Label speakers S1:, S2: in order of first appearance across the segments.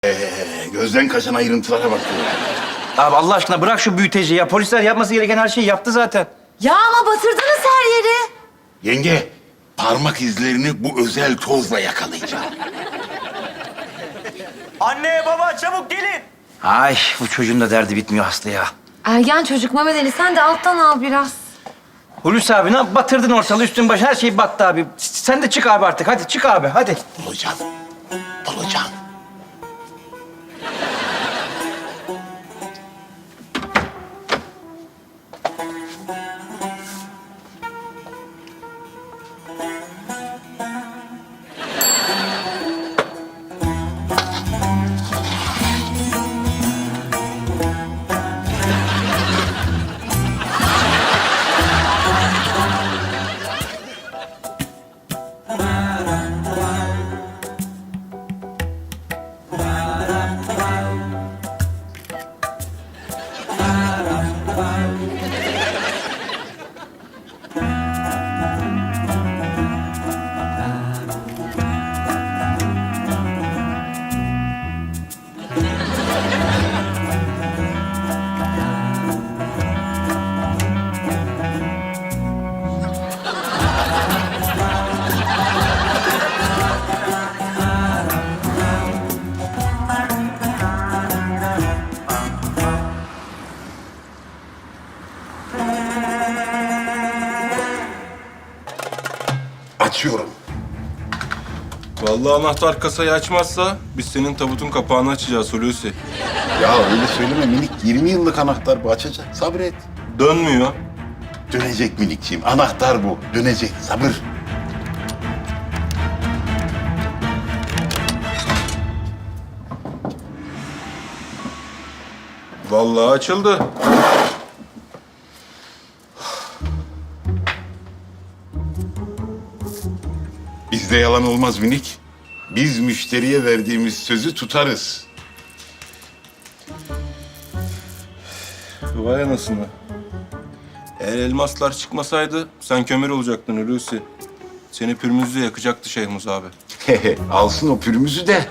S1: Gözden kaçan ayrıntılara bak.
S2: Abi Allah aşkına bırak şu büyüteci ya. Polisler yapması gereken her şeyi yaptı zaten.
S3: Ya ama batırdınız her yeri.
S1: Yenge, parmak izlerini bu özel tozla yakalayacağım.
S4: Anne, baba çabuk gelin.
S2: Ay bu çocuğun da derdi bitmiyor Aslı ya.
S3: Ergen çocuk Mehmet Ali, sen de alttan al biraz.
S2: Hulusi abi ne batırdın ortalığı üstün başı her şey battı abi. Sen de çık abi artık hadi çık abi hadi.
S1: Bulacağım. Bulacağım. Açıyorum.
S5: Vallahi anahtar kasayı açmazsa biz senin tabutun kapağını açacağız Hulusi.
S1: Ya öyle söyleme minik. 20 yıllık anahtar bu, açacak. Sabret.
S5: Dönmüyor.
S1: Dönecek minikciğim. Anahtar bu. Dönecek. Sabır.
S5: Vallahi açıldı.
S1: Bizde yalan olmaz minik. Biz müşteriye verdiğimiz sözü tutarız.
S5: Vay anasını. Eğer elmaslar çıkmasaydı sen kömür olacaktın Hulusi. Seni pürmüzle yakacaktı Şeyhmuz abi.
S1: Alsın o pürümüzü de.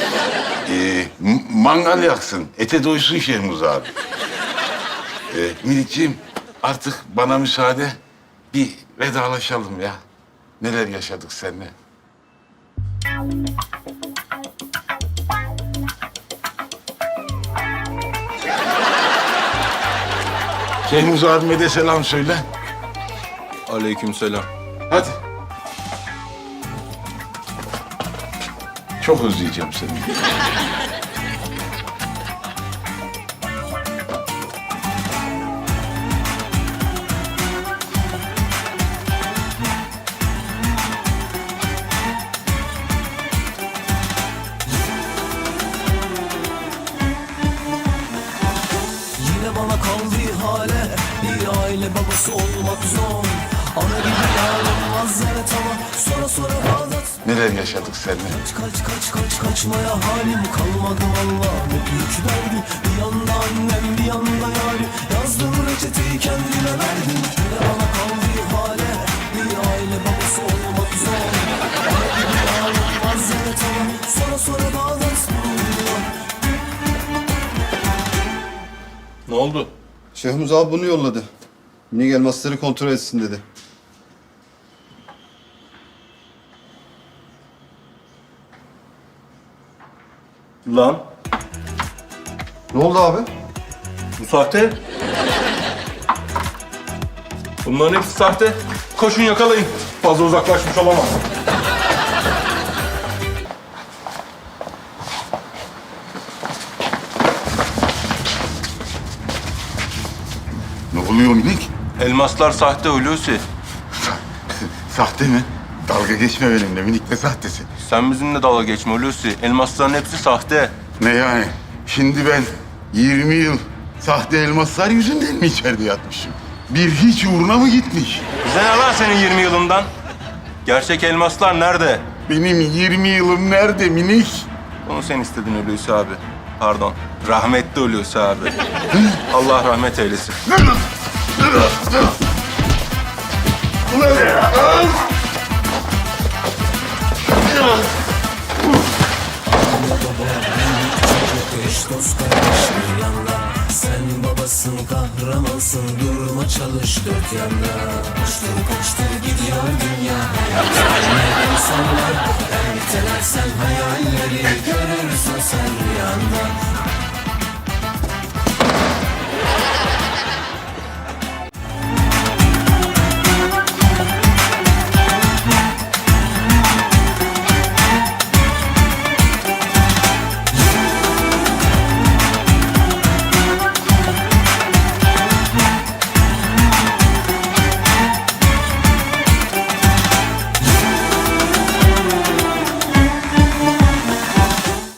S1: Mangal yaksın. Ete doysun Şehmuz abi. Minikciğim, artık bana müsaade. Bir vedalaşalım ya. Neler yaşadık seninle. Şehmuz abime de selam söyle.
S5: Aleykümselam.
S1: Hadi. Çok özleyeceğim seni.
S6: Yine bana kaldı ihale. Bir aile babası olmak zor. Ana gibi yar olmaz evet ama sonra bağlat.
S1: Neler yaşadık seninle.
S6: Kaçmaya halim kalmadı valla. Ne büyük derdi. Bir yanda annem bir yanda yari. Yazdım reçeteyi kendime verdim. Yine bana kaldı ihale. Bir aile babası olmak zor. Ana gibi yar olmaz evet ama sonra bağlat.
S5: Ne oldu?
S7: Şehmuz abi bunu yolladı. Minik elmasları kontrol etsin dedi.
S5: Lan
S7: Ne oldu abi?
S5: bu sahte. Bunların hepsi sahte. Koşun yakalayın. Fazla uzaklaşmış olamaz.
S1: Ne oluyor minik?
S5: Elmaslar sahte Hulusi.
S1: Sahte mi? Dalga geçme benimle minik, ne sahtesi?
S5: Sen bizimle dalga geçme Hulusi. Elmasların hepsi sahte.
S1: Ne yani? Şimdi ben 20 yıl sahte elmaslar yüzünden mi içeride yatmışım? Bir hiç uğruna mı gitmiş?
S5: Bize ne lan senin 20 yılından? Gerçek elmaslar nerede?
S1: Benim 20 yılım nerede minik?
S5: Onu sen istedin Hulusi abi. Pardon. Rahmetli Hulusi abi. Allah rahmet eylesin.
S6: eş dost kardeş bir yanda. Sen babasın kahramansın, durma çalış dört yanda. Koştur koştur gidiyor dünya, hayal insanlar. Ertelersen hayalleri görürsün sen rüyanda.